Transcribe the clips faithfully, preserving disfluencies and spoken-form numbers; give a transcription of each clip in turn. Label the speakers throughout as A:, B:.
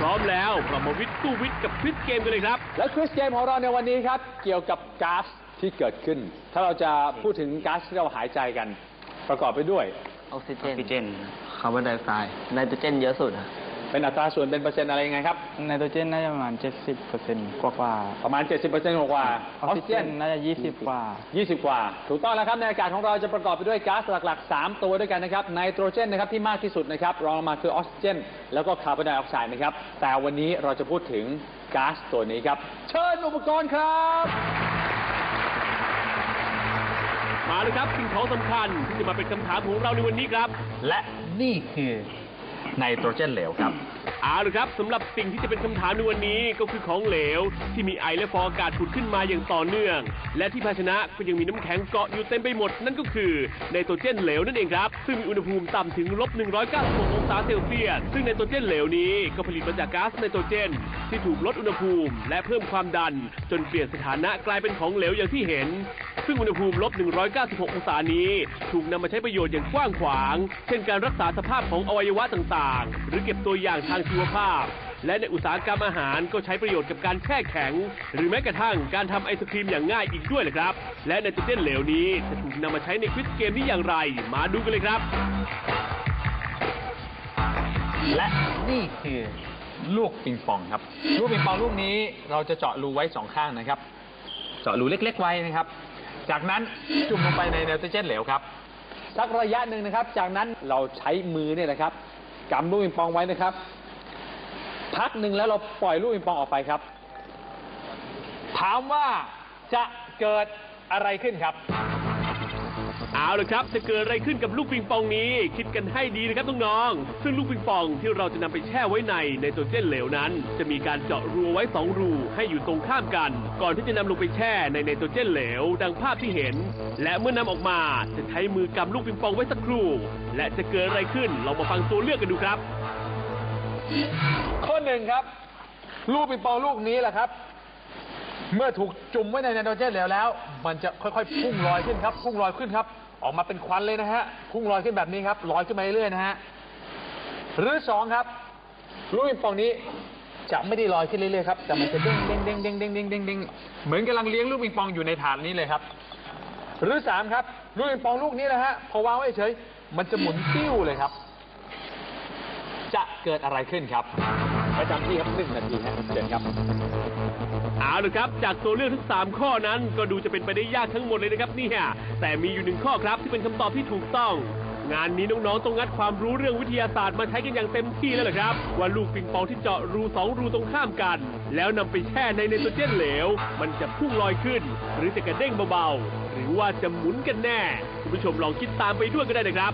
A: ร้อมแล้วเรามาวิทย์สู้วิทย์กับควิซเกมกันเลยครับ
B: และควิซเกมของเราในวันนี้ครับเกี่ยวกับก๊าซที่เกิดขึ้นถ้าเราจะพูดถึงก๊าซที่เราหายใจกันประกอบไปด้วย
C: ออกซิเจนออกซิเจนคาร์บอนไดออกไซด์ไนโตรเจนเยอะสุด
B: เป็นอัตราส่วนเป็นเปอร์เซ็นต์อะไรยังไงครับ
D: ไนโตรเจนน่าจะประมาณเจ็ดสิบเปอร์เซ็นต์กว่า
B: ประมาณเจ็ดสิบเปอร์เซ็นต์กว่า
D: ออกซิเจนน่าจะยี่สิบกว่า
B: ยี่สิบกว่าถูกต้องแล้วครับในอากาศของเราจะประกอบไปด้วยก๊าซหลักๆสามตัวด้วยกันนะครับไนโตรเจนนะครับที่มากที่สุดนะครับรองลงมาคือออกซิเจนแล้วก็คาร์บอนไดออกไซด์นะครับแต่วันนี้เราจะพูดถึงก๊าซตัวนี้ครับเชิญอุปกรณ์ครับ
A: มาเลยครับสิ่งของสำคัญที่จะมาเป็นคำถามของเราในวันนี้ครับ
B: และนี่คือไนโตรเจนเหลวครับ
A: เอาละครับสำหรับสิ่งที่จะเป็นคำถามในวันนี้ก็คือของเหลวที่มีไอและฟองอากาศผุดขึ้นมาอย่างต่อเนื่องและที่ภาชนะก็ยังมีน้ำแข็งเกาะอยู่เต็มไปหมดนั่นก็คือไนโตรเจนเหลวนั่นเองครับซึ่งมีอุณหภูมิต่ำถึงลบหนึ่งร้อยเก้าสิบหกองศาเซลเซียสซึ่งไนโตรเจนเหลวนี้ก็ผลิตมาจากก๊าซไนโตรเจนที่ถูกลดอุณหภูมิและเพิ่มความดันจนเปลี่ยนสถานะกลายเป็นของเหลวอย่างที่เห็นซึ่งอุณหภูมิลบหนึ่งร้อยเก้าสิบหกองศานี้ถูกนำมาใช้ประโยชน์อย่างกว้างขวางเช่นการรักษาสภาพของอวัยวะต่างๆหรือเก็บตัวอย่างทางชีวภาพและในอุตสาหกรรมอาหารก็ใช้ประโยชน์กับการแช่แข็งหรือแม้กระทั่งการทำไอศครีมอย่างง่ายอีกด้วยเลยครับและไนโตรเจนเหลวนี้จะถูกนำมาใช้ในควิซเกมนี้อย่างไรมาดูกันเลยครับ
B: และนี่คือลูกปิงปองครับลูกปิงปองลูกนี้เราจะเจาะรูไว้สองข้างนะครับเจาะรูเล็กๆไว้นะครับจากนั้นจุ่มลงไปในไนโตรเจนเหลวครับสักระยะหนึ่งนะครับจากนั้นเราใช้มือเนี่ยนะครับกำลูกปิงปองไว้นะครับพักหนึ่งแล้วเราปล่อยลูกปิงปองออกไปครับถามว่าจะเกิดอะไรขึ้นครับ
A: เอาละครับจะเกิดอะไรขึ้นกับลูกปิงปองนี้คิดกันให้ดีนะครับน้องๆซึ่งลูกปิงปองที่เราจะนำไปแช่ไว้ในไนโตรเจนเหลวนั้นจะมีการเจาะรูไว้สองรูให้อยู่ตรงข้ามกันก่อนที่จะนำลงไปแช่ในไนโตรเจนเหลวดังภาพที่เห็นและเมื่อนำออกมาจะใช้มือกำลูกปิงปองไว้สักครู่และจะเกิดอะไรขึ้นเรามาฟังตัวเลือกกันดูครับ
B: ข้อหนึ่งครับลูกปิงปองลูกนี้แหละครับเมื่อถูกจุ่มไว้ในไนโตรเจนเหลวแล้วมันจะค่อยๆพุ่งลอยขึ้นครับพุ่งลอยขึ้นครับออกมาเป็นควันเลยนะฮะพุ่งลอยขึ้นแบบนี้ครับลอยขึ้นมาเรื่อยๆนะฮะหรือสองครับลูกปิงปองนี้จะไม่ได้ลอยขึ้นเรื่อยๆครับแต่มันจะเด้งเด้งเด้งเด้งเด้งเด้งเด้งเด้งเหมือนกำลังเลี้ยงลูกปิงปองอยู่ในถาดนี้เลยครับหรือสามครับลูกปิงปองลูกนี้นะฮะพอวางไว้เฉยมันจะหมุนติ้วเลยครับจะเกิดอะไรขึ้นครับประจำที่ครับหนึ่งนาทีฮะเชิญครับ
A: เอาละครับจากตัวเลือกทั้งสามข้อนั้นก็ดูจะเป็นไปได้ยากทั้งหมดเลยนะครับนี่ฮะแต่มีอยู่หนึ่งข้อครับที่เป็นคำตอบที่ถูกต้องงานนี้น้องๆต้องงัดความรู้เรื่องวิทยาศาสตร์มาใช้กันอย่างเต็มที่แล้วล่ะครับว่าลูกปิงปองที่เจาะรูสองรูตรงข้ามกันแล้วนำไปแช่ในไนโตรเจนเหลวมันจะพุ่งลอยขึ้นหรือจะกระเด้งเบาๆหรือว่าจะหมุนกันแน่คุณผู้ชมลองคิดตามไปด้วยก็ได้นะครับ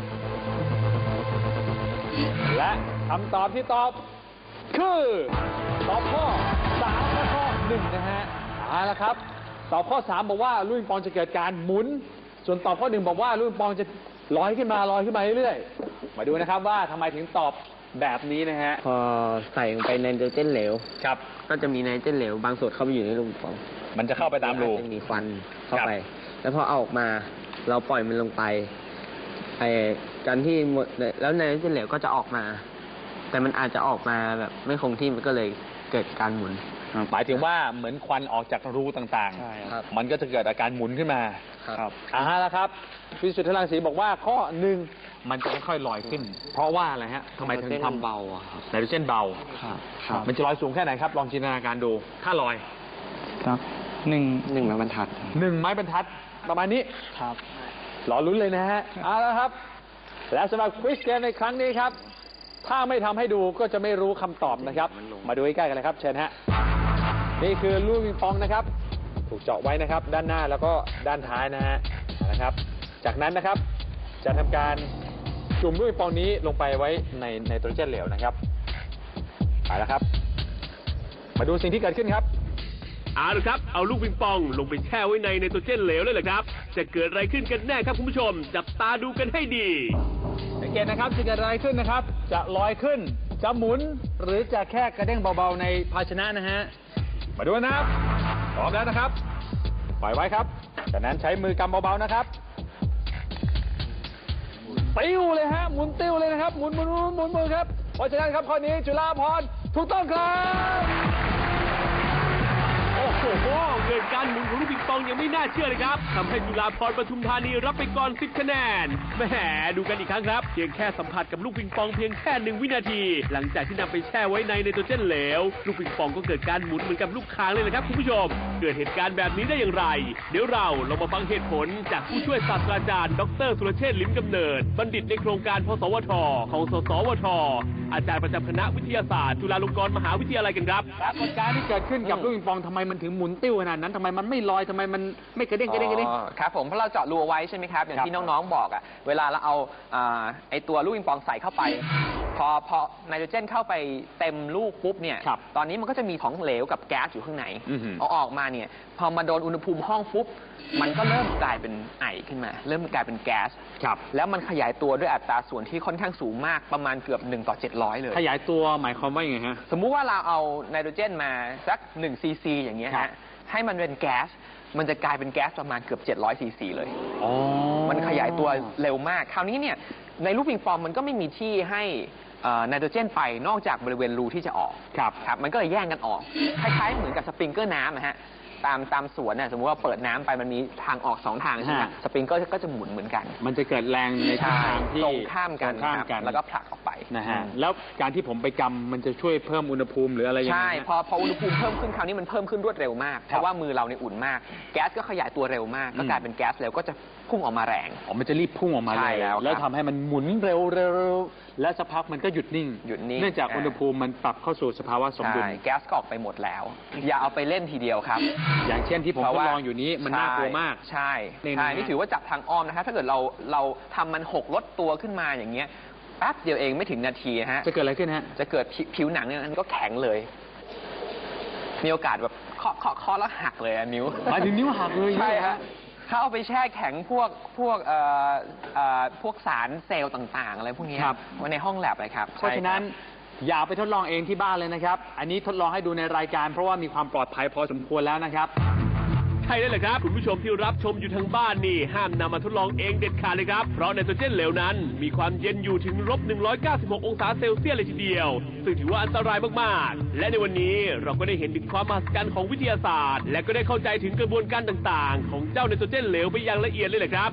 B: และคำตอบที่ตอบคือตอบข้อสามและข้อหนึ่งนะฮะเอาละครับตอบข้อสามบอกว่าลูกปิงปองจะเกิดการหมุนส่วนตอบข้อหนึ่งบอกว่าลูกปิงปองจะลอยขึ้นมาลอยขึ้นมาเรื่อยๆมาดูนะครับว่าทำไมถึงตอบแบบนี้นะฮะ
C: พอใส่ลงไปในไนโตรเจนเหลว
B: ครับ
C: ก็จะมีไนโตรเจนเหลวบางส่วนเข้าไปอยู่ในลูกปิงปอง
B: มันจะเข้าไปตามรู
C: จะมีควันเข้าไปแล้วพอเอาออกมาเราปล่อยมันลงไปไอ้การที่หมดแล้วไนโตรเจนเหลวก็จะออกมาแต่มันอาจจะออกมาแบบไม่คงที่มันก็เลยเกิดการหมุน
B: หมายถึงว่าเหมือนควันออกจากรูต่างๆมันก็จะเกิดอาการหมุนขึ้นมา
C: ครับ
B: อ่าแล้วครับพิสุทธิ์รังสีบอกว่าข้อหนึ่งมันจะค่อยๆลอยขึ้นเพราะว่าอะไรฮะทำไมถึงทำเบาไนโตรเจนเบามันจะลอยสูงแค่ไหนครับลองจินตนาการดูถ้าลอย
D: ครับหนึ่ง
C: หนึ่งไม้บรรทัด
B: หนึ่งไม้บรรทัดประมาณนี้
D: ครับ
B: รอลุ้นเลยนะฮะเอาละครับและสำหรับควิซเกมในครั้งนี้ครับถ้าไม่ทำให้ดูก็จะไม่รู้คำตอบนะครับมาดูใกล้ๆกันเลยครับเชิญฮะนี่คือลูกปิงปองนะครับถูกเจาะไว้นะครับด้านหน้าแล้วก็ด้านท้ายนะฮะนะครับจากนั้นนะครับจะทำการจุ่มลูกปิงปองนี้ลงไปไว้ในไนโตรเจนเหลวนะครับไปแล้วครับมาดูสิ่งที่เกิดขึ้นครับ
A: เอาละครับเอาลูกปิงปองลงไปแช่ไว้ในไนโตรเจนเหลวเลยเหรอครับจะเกิดอะไรขึ้นกันแน่ครับคุณผู้ชมจับตาดูกันให้ดี
B: สังเกตนะครับจะเกิดอะไรขึ้นนะครับจะลอยขึ้นจะหมุนหรือจะแค่กระเด้งเบาๆในภาชนะนะฮะมาดูนะครับพร้อมแล้วนะครับปล่อยไว้ครับจากนั้นใช้มือกำเบาๆนะครับติ้วเลยฮะหมุนติ้วเลยนะครับหมุนหมุนหมุนหมุนครับเพราะฉะนั้นครับข้อนี้จุฬาภรณ์ถูกต้องครับ
A: โอ้โหเกิดการหมุนของลูกปิงปองยังไม่น่าเชื่อเลยครับทำให้จุฬาภรณ์ปทุมธานีรับไปก่อนสิบคะแนนแหมดูกันอีกครั้งครับเพียงแค่สัมผัสกับลูกปิงปองเพียงแค่หนึ่งวินาที หลังจากที่นำไปแช่ไว้ในไนโตรเจนเหลวลูกปิงปองก็เกิดการหมุนเหมือนกับลูกค้างเลยนะครับคุณผู้ชมเกิดเหตุการณ์แบบนี้ได้อย่างไร เดี๋ยวเราลองมาฟังเหตุผลจากผู้ช่วยศาสตราจารย์ดรสุรเชษฐ์ลิ้มกำเนิดบัณฑิตในโครงการพสวทของสสวทอาจารย์ประจำคณะวิทยาศาสตร์จุฬาลงกรณ์มหาวิทยาลัยกันครับ
B: ปรากฏการณ์ที่เกิดขึ้นกับลูกปิงปองทำไมมันถึงหมุนติ้วขนาดนั้นทำไมมันไม่ลอยทำไมมันไม่กระเด้งกระเด้งกระเด้ง
E: อ๋อครับผมเพราะเราเจาะรูเอาไว้ใช่ไหมครับ อย่าง
B: ครับ
E: ที่น้องๆบอกอ่ะเวลาเราเอาอ่าไอตัวลูกปิงปองใส่เข้าไป พอพอไนโตรเจนเข้าไปเต็มลูกปุ๊บเนี่ย
B: ครับ
E: ตอนนี้มันก็จะมีของเหลวกับแก๊สอยู่ข้างใน
B: อือหือ
E: เอาออกมาเนี่ยพอมาโดนอุณหภูมิห้องปุ๊บมันก็เริ่มกลายเป็นไอขึ้นมา เริ่มกลายเป็นแก๊ส
B: ครับ
E: แล้วมันขยายตัวด้วยอัตราส่วนที่ค่อนข้างสูงมากประมาณเกือบหนึ่งต่อเจ็ดร้อยเลย
B: ขยายตัวหมายความว่าอย่างไงฮะ
E: สมมุติว่าเราเอาไนโตรเจนมาสักหนึ่งซีซีอย่างเงี้ย
B: ครั
E: ฮะ
B: บ
E: ให้มันเป็นแก๊สมันจะกลายเป็นแก๊สประมาณเกือบเจ็ดร้อยซีซีเลย
B: อ๋อ
E: มันขยายตัวเร็วมาก คราวนี้เนี่ยในลูกปิงปองมันก็ไม่มีที่ให้เอ่อไนโตรเจนไปนอกจากบริเวณรูที่จะออก
B: ครับ
E: ครับ มันก็เลยแย่งกันออก คล้ายๆเหมือนกับสปริงเกอร์น้ำนะฮะ ตามตามสวนน่ะสมมติว่าเปิดน้ำไปมันมีทางออกสองทางใช่ไหม
B: ฮะ
E: สปริงเกอร์ก็จะหมุนเหมือนกัน
B: มันจะเกิดแรงในทิศทางที่
E: ตรงข้ามกัน
B: ตรงข้าม
E: ครับ
B: กัน
E: แล้วก็ผลักออกไป
B: นะฮะแล้วการที่ผมไปกำมันจะช่วยเพิ่มอุณหภูมิหรืออะไรยังไง
E: ใช่
B: ฮะ
E: พอพออุณหภูมิเพิ่มขึ้นคราวนี้มันเพิ่มขึ้นรวดเร็วมาก เพราะว่ามือเราเนี่ยอุ่นมาก แก๊สก็ขยายตัวเร็วมาก ก็กลายเป็นแก๊สเร็วก็จะพุ่งออกมาแรง
B: อ๋อมันจะรีบพุ่งออกมา
E: ใช่
B: เลย
E: แล้วครับ
B: แล้วทำให้มันหมุนเร็วๆและสักพักมันก็หยุดนิ่ง
E: หยุดนิ่ง
B: เนื่องจาก
E: อ่า
B: อุณหภูมิมันปรับเข้าสู่สภาวะสมดุล
E: ใช่แก๊สก็ออกไปหมดแล้ว อย่าเอาไปเล่นทีเดียวครับ
B: อย่างเช่นที่ผมทดลองอยู่นี้มันน่ากลัวมาก
E: ใช่
B: นี่นะ
E: ใช่
B: ฮะ
E: นี่ถือว่าจับทางอ้อมนะครับถ้าเกิดเราเราทำมันหกลดตัวขึ้นมาอย่างเงี้ยแป๊บเดียวเองไม่ถึงนาทีนะฮะ
B: จะเกิดอะไรขึ้นฮะ
E: จะเกิดผิวผิวหนังเนี่ยมันก็แข็งเลย มีโอกาสแบบเคาะเคาะเคาะแล้วหักเลยอะนิ้ว
B: หมายถึงนิ้วหักเลย
E: ใช่
B: เนี่ย
E: ฮะถ้าเอาไปแช่แข็งพวกพวกเอ่อเอ่อพวกสารเซลล์ต่างๆ อะไรพวกเนี้ย
B: ครับ
E: ไว้ในห้องแลบเลยครับ
B: เพราะฉะนั้น
E: ใช่คบ
B: อย่าไปทดลองเองที่บ้านเลยนะครับ อันนี้ทดลองให้ดูในรายการเพราะว่ามีความปลอดภัยพอสมควรแล้วนะครับ
A: ใช่แล้วแหละครับ คุณผู้ชมที่รับชมอยู่ทางบ้านนี่ ห้ามนำมาทดลองเองเด็ดขาดเลยครับ เพราะไนโตรเจนเหลวนั้น มีความเย็นอยู่ถึงลบหนึ่งร้อยเก้าสิบหกองศาเซลเซียสเลยทีเดียว ซึ่งถือว่าอันตรายมากๆ และในวันนี้เราก็ได้เห็นถึงความมหัศจรรย์ของวิทยาศาสตร์ และก็ได้เข้าใจถึงกระบวนการต่างๆ ของเจ้าไนโตรเจนเหลวไปอย่างละเอียดเลยแหละครับ